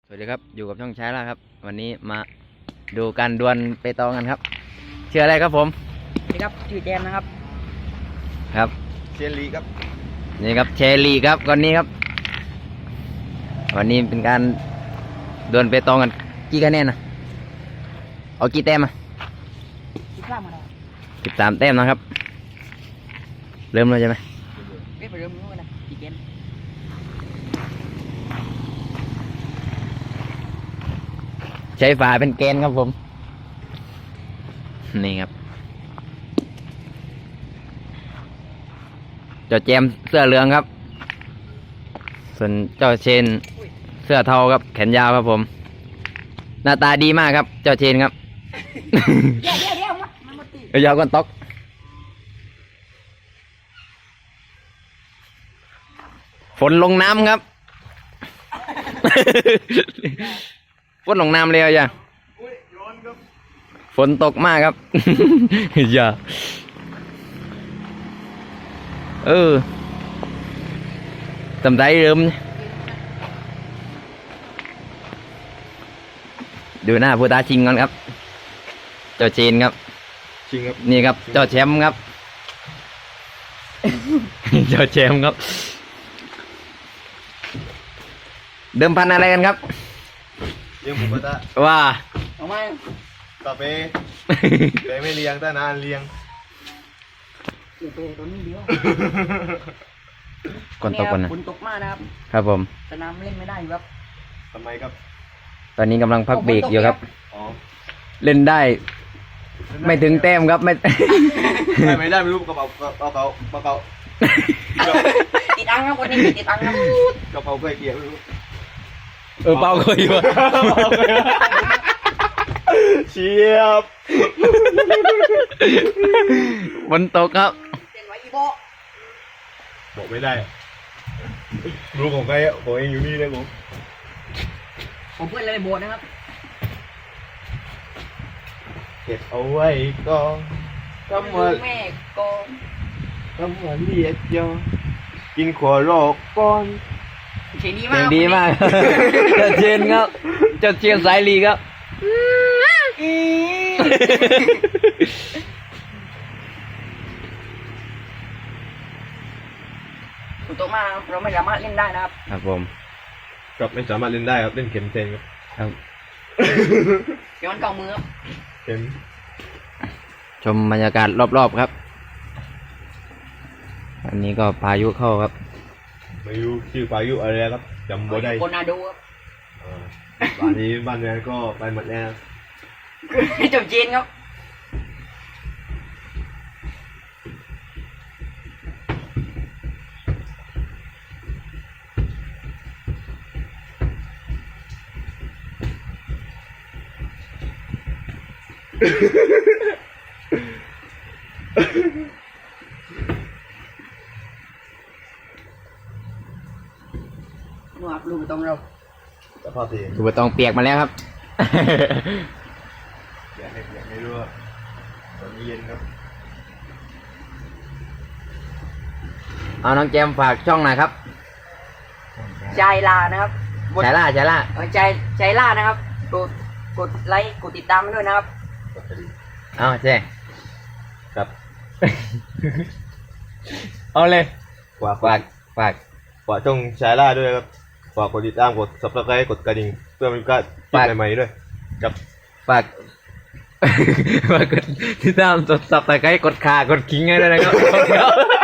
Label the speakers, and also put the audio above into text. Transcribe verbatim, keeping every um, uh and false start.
Speaker 1: สวัสดีครับอยู่กับช่องช้าแล้วครับวันนี้มาดูการดวลเปตองกันครับชื่ออะไรครับผม
Speaker 2: สวัสดีครับชื่อแจมนะครับ
Speaker 1: ครับ
Speaker 3: เชลลีครับ
Speaker 1: นี่ครับเชลีครับคนนี้ครับวันนี้เป็นการดวลเปตองกันกี่คะแนนนะเอากี่แต้มอะ
Speaker 2: คิดว่ามาแล้ว
Speaker 1: สิบสามแต้มนะครับเริ่มเลยใช่ไหม
Speaker 2: ไม่ไปเริ่มนู้นนะกี่เกม
Speaker 1: ใช้ฝาเป็นแกนครับผมนี่ครับเจ้าแจมเสื้อเหลืองครับส่วนเจ้าเชนเสื้อเทาครับแขนยาวครับผมหน้าตาดีมากครับเจ้าเชนครับ
Speaker 2: เดี๋ยวเดี๋ยวเดี๋ยวมันมาตี
Speaker 1: ยาวก้นตกฝนลงน้ำครับ ฝนลงน้ำเลยอ่ะฝนตกมากครับ อย่าเออตำไรเริ่มดูหน้าผู้ท้าชิงก่อนครับเจ้าเชนครับ
Speaker 3: ชิงครับ
Speaker 1: นี่ครับเจ้าแชมป์ครับ เจ้าแชมป์ครับเดิมพันอะไรกันครับ
Speaker 3: เลี้ยงหมูกระทะ
Speaker 1: ว่า
Speaker 2: เอาไหม
Speaker 3: กาแฟแต่ไม่เลี้ยงแต่นานเลี้ยง
Speaker 2: เดี๋ยวไปตัวนี้เดียว
Speaker 1: ก่อนตกก่อนนะ
Speaker 2: ฝนตกมากนะครับ
Speaker 1: ครับผม
Speaker 2: สนามเล่นไม่ได้อยู่ครับ
Speaker 3: ทำไมครับ
Speaker 1: ตอนนี้กำลังพักเบรกอยู่ครับ
Speaker 3: อ๋อ
Speaker 1: เล่นได้ ไม่ถึงแต้มครับไม่
Speaker 3: ไม่ไม่ได้ไม่รู้กระเป๋ากระเป๋าเขากระเป๋า
Speaker 2: ติดอังครับวันนี้ติดอังครับ
Speaker 3: กระเป๋าเคยเกี่ยวไม่รู้
Speaker 1: เออเปล่าเคยอยู่
Speaker 3: เชียบ
Speaker 1: ฝนตกครับ
Speaker 2: เต้นไว้อีโบ
Speaker 3: บอกไม่ได้รู้ของใครอ่ะของเองอยู่นี่เลยผม
Speaker 2: ผมเพื่อนเลยโบนะครับ
Speaker 3: เก็บเอาไว้ก่อนทำมา
Speaker 2: แม่กอง
Speaker 3: ทำมาเรียกยอกินขวโรกก่อน
Speaker 2: เสียงดี
Speaker 1: เสี
Speaker 2: มาย ก
Speaker 1: งดีมาก เจ้าเชนครับเจ้าเชนสายลีครับ
Speaker 2: ฝนตกมากเราไม่สามารถเล่นได้นะครับ
Speaker 1: ครับผม
Speaker 3: ครับไม่สามารถเล่นได้ครับเล่นเข็มเซนครับ
Speaker 1: ครับ
Speaker 2: เดี๋ยวมันเก่ามือครับ
Speaker 3: เข็ม
Speaker 1: ชมบรรยากาศรอบๆครับอันนี้ก็พายุเข้าครับ
Speaker 3: ไม่รู้ชื่อพายุอะไรครับจำไม่ได้
Speaker 2: โคนาโดครับ
Speaker 3: อ่าบ้านนี้บ้านเรือนก็ไปหมดแล้ว
Speaker 2: จบเจนครับ หนูอับลูกตรงเรา
Speaker 3: สภาพที
Speaker 1: ถูกตองเปียกมาแล้วครับ
Speaker 3: อยากให้อยากให้รู้ว่าตอนนี้เย็นครับ
Speaker 1: เอาน้องแจมฝากช่องหน่อยครับ
Speaker 2: ใจลานะครับ
Speaker 1: ใจล่าใจล่า
Speaker 2: เออใจใจล่านะครับ กดกดไลค์กดติดตามด้วยนะครับ
Speaker 1: เอาเจ๊
Speaker 3: ครับ
Speaker 1: เอาเลย
Speaker 3: ฝาก
Speaker 1: ฝากฝาก
Speaker 3: ฝากช่องแชร์ล่าด้วยครับฝากกดติดตามกด subscribe กดกระดิ่งเพื่อไมีการคลิปใหม่ๆด้วยครับ
Speaker 1: ฝาก ฝากกดติดตามกดซับสไครต์กดขากดคิงให้ด้วยนะครับ